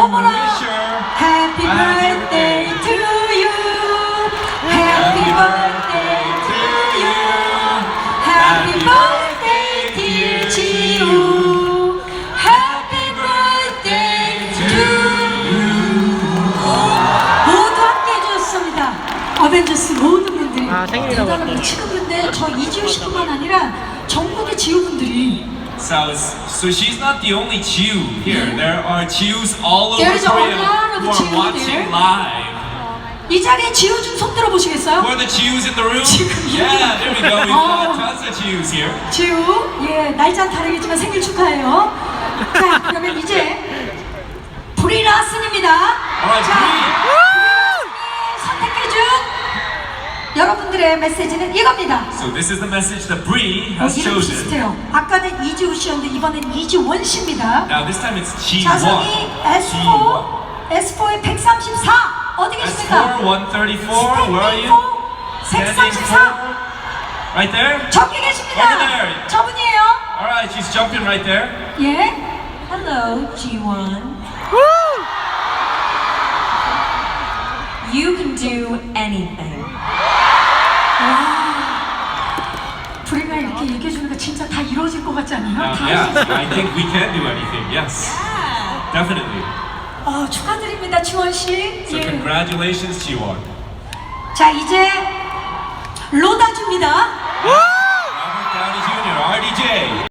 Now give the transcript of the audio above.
어머나. wish her Happy a happy birthday birthday. to you. Happy birthday to you. Happy birthday dear 지우. Happy birthday to you. 모두 함께 해주셨습니다. 어벤져스 모든 분들이 생일이라고 대단합니다. 할게요. 지금 근데 저 이지우 씨뿐만 아니라 전국의 지우분들이 So she's not the only Chiu here. There are Chius all over There's a Korea lot of who are Chiu watching there. live. 이 자리에 지우 좀 손 들어보시겠어요? Who are the Chius in the room? 지금 Yeah, there we go. We've Oh. got tons of Chius here. 지우, 예, 날짜는 다르겠지만 생일 축하해요. 자, 그러면 이제 브리라슨입니다. Alright, 자, Brie. 선택해준 여러분들의 메시지는 이겁니다. So this is the message that Brie has 이름 chosen. 비슷해요. 아까는 이지우 씨였는데 이번엔 이지원 씨입니다. Now this time it's Chi 자성이 S4의 134 어디 계십니까? S4 134. Where are you? Standing 134 for? Right there. 저기 Over 계십니다. there. 저분이에요. Alright, she's jumping right there. 예. Hello, G1. You can do anything. 브리가 이렇게 얘기해주니까 진짜 다 이루어질 것 같지 않아요? 다 Yeah, 할 수 있어요. I think we can do anything. Yes, definitely. 축하드립니다, 지원 씨. So 예. congratulations, Jiwon. 자, 이제 로다줍니다. Robert Downey Jr., RDJ.